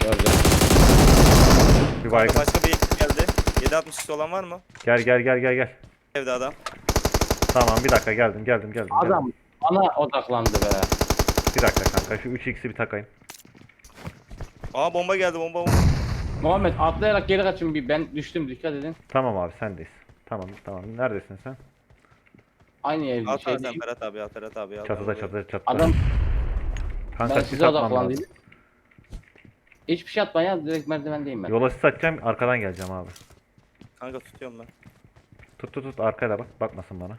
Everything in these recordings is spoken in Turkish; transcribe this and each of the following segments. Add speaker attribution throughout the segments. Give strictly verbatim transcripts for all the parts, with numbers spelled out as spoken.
Speaker 1: Gördüm.
Speaker 2: Bir
Speaker 3: Kanka
Speaker 2: baygın.
Speaker 3: başka bir ekip geldi. yedi altmış olan var mı?
Speaker 2: Gel gel gel gel gel.
Speaker 3: Evde adam.
Speaker 2: Tamam bir dakika geldim geldim geldim. geldim.
Speaker 1: Adam bana odaklandı be.
Speaker 2: Bir dakika kanka şu üç x'i bir takayım.
Speaker 3: Aa bomba geldi bomba bomba.
Speaker 1: Muhammed atlayarak geri kaçın bir, ben düştüm, dikkat edin.
Speaker 2: Tamam abi sendeyiz. Tamam tamam. Neredesin sen?
Speaker 1: Aynı evde
Speaker 3: Al sen
Speaker 1: şeydeyim.
Speaker 3: Ferhat abi al Ferhat abi al.
Speaker 2: Çatıda
Speaker 3: Al,
Speaker 2: çatıda çatıda.
Speaker 1: Adam
Speaker 2: Kanka
Speaker 1: ben
Speaker 2: sis
Speaker 1: size
Speaker 2: atmam lazım.
Speaker 1: odaklandım. Hiçbir şey atma ya, direkt merdivendeyim ben.
Speaker 2: Yola sis atacağım arkadan geleceğim abi.
Speaker 3: Kanka tutuyorum ben.
Speaker 2: Tut tut tut arkaya da bak. Bakmasın bana.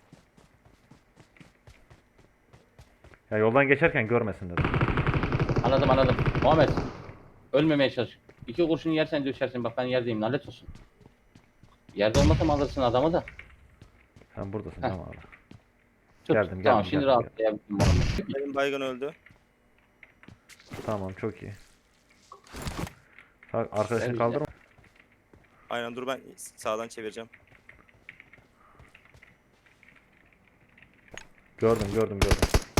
Speaker 2: Ya yoldan geçerken görmesin dedim.
Speaker 1: Anladım anladım. Muhammed ölmemeye çalış. İki kurşunu yersen düşersin, bak ben yerdeyim, lanet olsun. Yerde olmasam alırsın adamı da.
Speaker 2: Sen buradasın
Speaker 1: Heh.
Speaker 2: tamam abi.
Speaker 1: Tut.
Speaker 2: Geldim,
Speaker 1: Tamam
Speaker 2: geldim,
Speaker 1: şimdi
Speaker 2: geldim,
Speaker 1: rahatlayabilirim Muhammed.
Speaker 3: Benim baygın öldü.
Speaker 2: Tamam çok iyi. Sağ, arkadaşını
Speaker 1: Güzel,
Speaker 2: kaldırma.
Speaker 3: Aynen dur ben sağdan çevireceğim.
Speaker 2: Gördüm gördüm gördüm.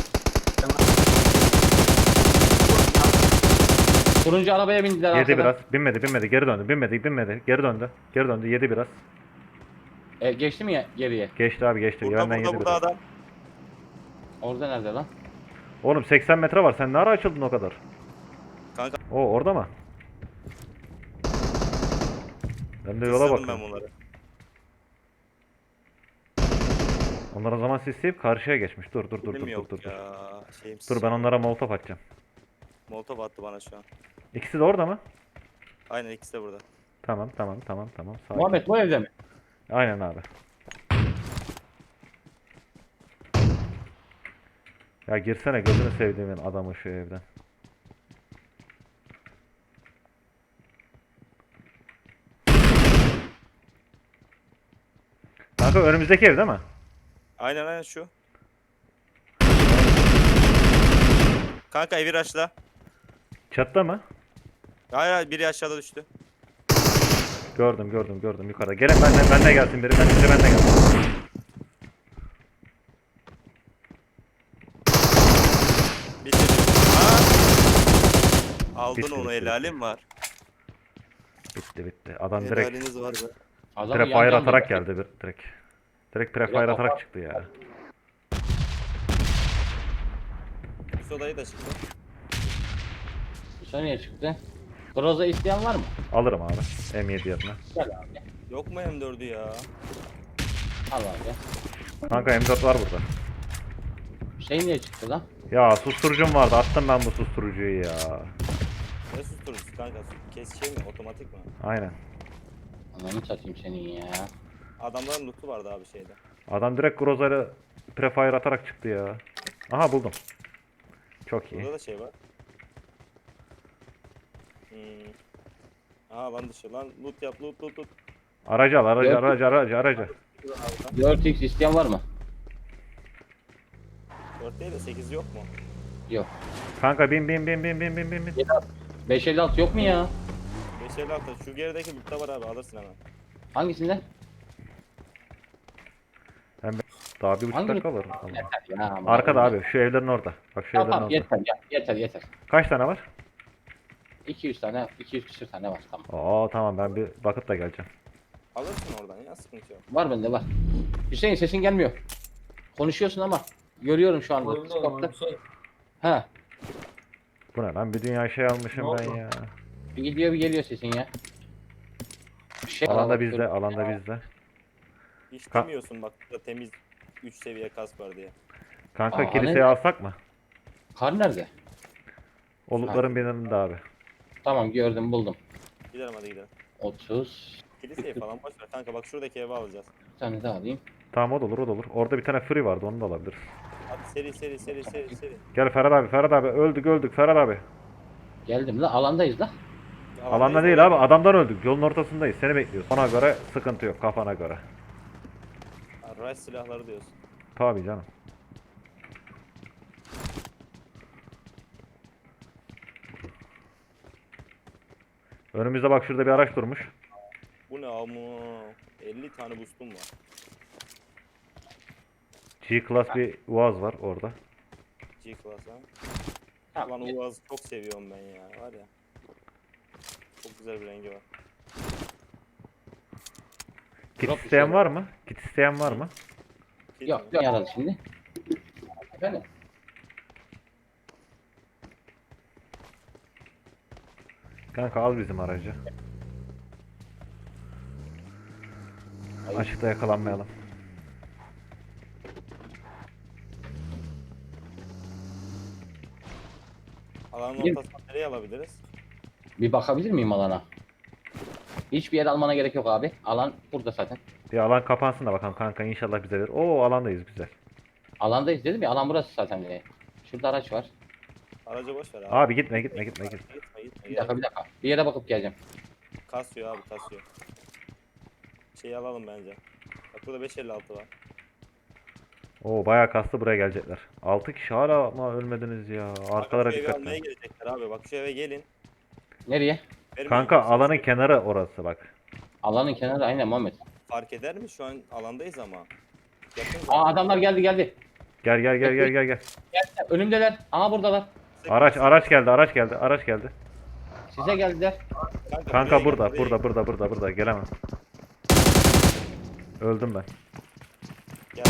Speaker 1: Turuncu arabaya bindiler
Speaker 2: Yedi
Speaker 1: arkadan.
Speaker 2: biraz. Binmedi binmedi. Geri döndü. Binmedi binmedi. Geri döndü. Geri döndü. Yedi biraz.
Speaker 1: E, geçti mi ya geriye?
Speaker 2: Geçti abi geçti.
Speaker 3: Burada
Speaker 2: Benden
Speaker 3: burada
Speaker 2: yedi
Speaker 3: burada
Speaker 2: biraz.
Speaker 3: adam.
Speaker 1: Orada nerede lan?
Speaker 2: Oğlum seksen metre var. Sen ne ara açıldın o kadar?
Speaker 3: Kanka
Speaker 2: O orada mı? Ben de yola
Speaker 3: ısırdım ben
Speaker 2: bakıyorum.
Speaker 3: bunları.
Speaker 2: Onlar o zaman sisleyip karşıya geçmiş. Dur dur dur dur
Speaker 3: Bilim
Speaker 2: dur
Speaker 3: yok
Speaker 2: dur. Dur,
Speaker 3: ya. Şeyim
Speaker 2: dur ben onlara molotof atacağım.
Speaker 3: Molotov attı bana şu an.
Speaker 2: İkisi de orada mı?
Speaker 3: Aynen ikisi de burada.
Speaker 2: Tamam tamam tamam tamam. Sakin.
Speaker 1: Muhammed bu evde mi?
Speaker 2: Aynen abi. Ya girsene gözünü sevdiğimin adamı şu evden. Kanka önümüzdeki ev değil mi?
Speaker 3: Aynen aynen şu. Kanka evi raşla.
Speaker 2: Çatıda mı?
Speaker 3: Hayır hayır biri aşağıda düştü.
Speaker 2: Gördüm gördüm gördüm yukarıda. Gelin benle benle gelsin biri. Ben biri benle gelsin.
Speaker 3: Bitti. Ha? Aldın
Speaker 2: Bitti,
Speaker 3: onu
Speaker 2: bitti,
Speaker 3: helalim var.
Speaker 2: Bitti bitti. Adam direkt
Speaker 3: Helaliniz var be.
Speaker 1: Adamı
Speaker 2: prefire
Speaker 1: yandan
Speaker 2: atarak
Speaker 1: bir-
Speaker 2: geldi bir direkt. Direkt prefire
Speaker 1: Yok,
Speaker 2: atarak çıktı ya.
Speaker 3: Üst odayı da çıktı.
Speaker 1: Dışarı niye çıktı? Groza isteyen var mı?
Speaker 2: Alırım abi. M yedi yerine.
Speaker 1: Gel abi.
Speaker 3: Yok mu M dördü ya?
Speaker 1: Al abi.
Speaker 2: Kanka M dört var burada.
Speaker 1: Şey niye çıktı lan?
Speaker 2: Ya susturucum vardı. Attım ben bu susturucuyu ya.
Speaker 3: Ne susturucusu kanka? Kes şey mi? Otomatik mi?
Speaker 2: Aynen.
Speaker 1: Ananı satayım senin ya.
Speaker 3: Adamların lootu vardı abi şeyde.
Speaker 2: Adam direkt Groza'yla prefire atarak çıktı ya. Aha buldum. Çok iyi.
Speaker 3: Burada da şey var. Hmm. Aha lan dışı lan loot yap loot loot loot.
Speaker 2: Aracı al aracı
Speaker 1: Yok.
Speaker 2: aracı aracı aracı.
Speaker 1: dört x isteyen var mı?
Speaker 3: dört değil de sekiz yok mu?
Speaker 1: Yok.
Speaker 2: Kanka bin bin bin bin bin bin bin bin.
Speaker 1: beş elli altı yok mu ya?
Speaker 3: beş elli altı şu gerideki lootta var abi alırsın hemen.
Speaker 1: Hangisinde?
Speaker 2: Daha bir buçuk
Speaker 1: Hangi-
Speaker 2: dakika var. Allah.
Speaker 1: Yeter ya. aman
Speaker 2: Arkada
Speaker 1: Allah'ım.
Speaker 2: abi şu evlerin orada. Bak şu
Speaker 1: Tamam
Speaker 2: evlerin
Speaker 1: tamam
Speaker 2: orada.
Speaker 1: yeter ya. Yeter yeter.
Speaker 2: Kaç tane var?
Speaker 1: iki yüz tane, iki yüz küsür tane var tamam.
Speaker 2: Oo tamam ben bir bakıp da geleceğim.
Speaker 3: Alırsın oradan ya sıkıntı yok.
Speaker 1: Var bende var. Hüseyin sesin gelmiyor. Konuşuyorsun ama görüyorum şu anda.
Speaker 4: Oyunda
Speaker 1: Scope'ta.
Speaker 4: oynuyor. Şey,
Speaker 1: Ha.
Speaker 2: Bu ne lan bir dünya şey almışım
Speaker 4: Ne
Speaker 2: ben
Speaker 4: oldu?
Speaker 2: ya.
Speaker 1: Bir gidiyor bir geliyor sesin ya. Bir şey
Speaker 2: Alanda bizde alanda bizde.
Speaker 3: Hiç
Speaker 2: Ka-
Speaker 3: demiyorsun bak burada temiz üç seviye kask var diye.
Speaker 2: Kanka
Speaker 1: Aa,
Speaker 2: kiliseyi
Speaker 1: ne?
Speaker 2: alsak mı?
Speaker 1: Kar nerede?
Speaker 2: Olukların birinde abi.
Speaker 1: Tamam gördüm buldum.
Speaker 3: Gidelim hadi gidelim.
Speaker 1: otuz.
Speaker 3: Kiliseyi falan boş ver kanka bak şuradaki evi alacağız.
Speaker 1: Bir tane daha alayım.
Speaker 2: Tamam o da olur o da olur. Orada bir tane free vardı onu da alabiliriz.
Speaker 3: Hadi seri seri seri seri seri.
Speaker 2: Gel Ferhat abi Ferhat abi öldük öldük Ferhat abi.
Speaker 1: Geldim la alandayız la.
Speaker 2: Alanda değil abi adamdan öldük yolun ortasındayız seni bekliyoruz. Ona göre sıkıntı yok kafana göre.
Speaker 3: Rush silahları diyorsun.
Speaker 2: Tabii canım. Önümüzde bak şurada bir araç durmuş.
Speaker 3: Bu ne ama elli tane boostum var.
Speaker 2: G-Class bir Uaz var orada.
Speaker 3: G-Class ha.
Speaker 1: Tamam.
Speaker 3: Lan Uaz'ı çok seviyorum ben ya var ya. Çok güzel bir rengi var.
Speaker 2: Kit
Speaker 1: Drop
Speaker 2: isteyen
Speaker 1: düşüyor.
Speaker 2: var mı? Kit isteyen var mı?
Speaker 3: Kit
Speaker 1: Yok
Speaker 3: mi?
Speaker 1: yok yaralı şimdi. Efendim?
Speaker 2: Kanka al bizim aracı.
Speaker 1: Ay,
Speaker 2: Açıkta yakalanmayalım.
Speaker 3: Alanın
Speaker 1: Bir-
Speaker 3: ortasına nereye alabiliriz?
Speaker 1: bir bakabilir miyim alana? Hiçbir yer almana gerek yok abi. Alan burada zaten.
Speaker 2: Bir alan kapansın da bakalım kanka, inşallah bize verir. Oo, alandayız, güzel.
Speaker 1: Alandayız dedim ya, alan burası zaten. Bile. Şurada araç var.
Speaker 3: Aracı boş ver abi.
Speaker 2: Abi gitme gitme gitme gitme.
Speaker 3: Gitme gitme.
Speaker 1: Bir dakika
Speaker 3: Gel.
Speaker 1: bir dakika. Bir yere bakıp geleceğim.
Speaker 3: Kasıyor abi kasıyor. Şeyi alalım bence. Bak burada beş elli altı var.
Speaker 2: Oo, bayağı kastı, buraya gelecekler. altı kişi hala ama ölmediniz ya. Arkalara
Speaker 3: Bak, şu evi
Speaker 2: dikkat
Speaker 3: almaya
Speaker 2: edin.
Speaker 3: gelecekler abi. Bak şu eve gelin.
Speaker 1: Nereye?
Speaker 3: Vermeyin
Speaker 2: Kanka
Speaker 3: kimseye.
Speaker 2: alanın kenarı orası bak.
Speaker 1: Alanın kenarı aynen Muhammed.
Speaker 3: Fark eder mi? Şu an alandayız ama. Yakın
Speaker 1: Aa
Speaker 3: zaten.
Speaker 1: adamlar geldi geldi.
Speaker 2: Gel gel gel gel gel gel.
Speaker 1: Geldiler, önümdeler. Aha buradalar.
Speaker 2: Araç araç geldi araç geldi araç geldi.
Speaker 1: Size geldiler.
Speaker 2: Kanka
Speaker 3: buraya
Speaker 2: burada
Speaker 3: gel, buraya
Speaker 2: burada burada burada burada gelemem. Öldüm ben.
Speaker 3: Gel.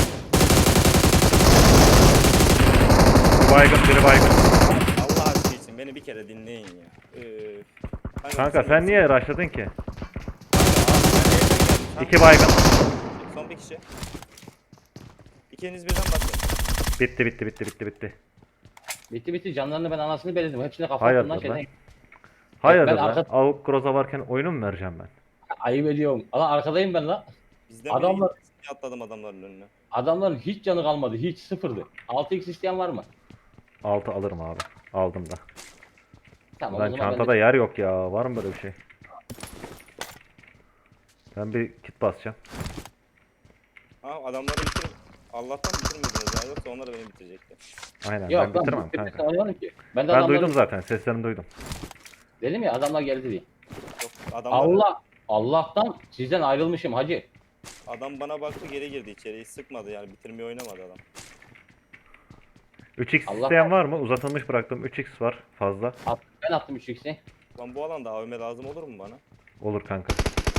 Speaker 2: Bir baygın biri baygın.
Speaker 3: Allah aşkı için beni bir kere dinleyin ya. Üf.
Speaker 2: Kanka sen niye rushladın ki?
Speaker 3: İki.
Speaker 2: İki baygın.
Speaker 3: Son bir kişi. İkiniz birden bakın.
Speaker 2: Bitti bitti bitti bitti bitti.
Speaker 1: Bitti bitti canlarını ben anasını belirledim. Hepsine kafa
Speaker 2: Hayırdır
Speaker 1: attım lan
Speaker 2: lan?
Speaker 1: şeyden.
Speaker 2: Hayırdır
Speaker 1: Ben
Speaker 2: lan?
Speaker 1: arka-
Speaker 2: Avuk Groza varken oyunu mu vereceğim ben?
Speaker 1: Ayıp ediyorum. Lan arkadayım ben lan.
Speaker 3: Bizden
Speaker 1: Adamlar-
Speaker 3: biri gitti, atladım adamların önüne.
Speaker 1: Adamların hiç canı kalmadı. Hiç sıfırdı. altı x isteyen var mı?
Speaker 2: altı alırım abi. Aldım da.
Speaker 1: Tamam o
Speaker 2: Lan
Speaker 1: zaman ben
Speaker 2: çantada
Speaker 1: de...
Speaker 2: yer yok ya. Var mı böyle bir şey? Ben bir kit basacağım.
Speaker 3: Ha adamları bitir. Allah'tan bitirmediniz ya. Yoksa onlar da beni bitirecekti.
Speaker 2: Aynen,
Speaker 1: Yok
Speaker 2: ben
Speaker 1: lan
Speaker 2: bitiremem
Speaker 1: bu
Speaker 2: kanka.
Speaker 1: oynamadım ki. Ben de
Speaker 2: Ben
Speaker 1: adamları...
Speaker 2: duydum zaten. Seslerini duydum.
Speaker 1: Dedim ya adamlar geldi diye.
Speaker 3: Yok adamlar,
Speaker 1: Allah! Allah'tan sizden ayrılmışım hacı.
Speaker 3: adam bana baktı geri girdi içeri. Hiç sıkmadı yani. Bitirmeyi oynamadı adam.
Speaker 2: üç x
Speaker 1: Allah-
Speaker 2: isteyen var mı? Uzatılmış bıraktım. üç x var fazla.
Speaker 1: At, ben attım üç x'i.
Speaker 3: Lan bu alanda A V M lazım olur mu bana?
Speaker 2: Olur kanka.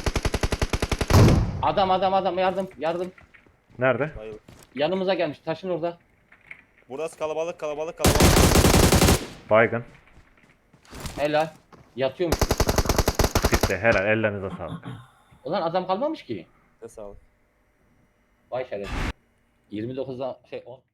Speaker 1: Adam adam adam yardım yardım.
Speaker 2: Nerede?
Speaker 3: Bayıl.
Speaker 1: Yanımıza gelmiş taşın orada.
Speaker 3: Burası kalabalık kalabalık kalabalık.
Speaker 2: Baygın.
Speaker 1: Helal. Yatıyormuş.
Speaker 2: Bitti. Helal. Ellerinize sağlık.
Speaker 1: Ulan adam kalmamış ki.
Speaker 3: Size sağlık.
Speaker 1: Vay şeref. yirmi dokuzda şey on.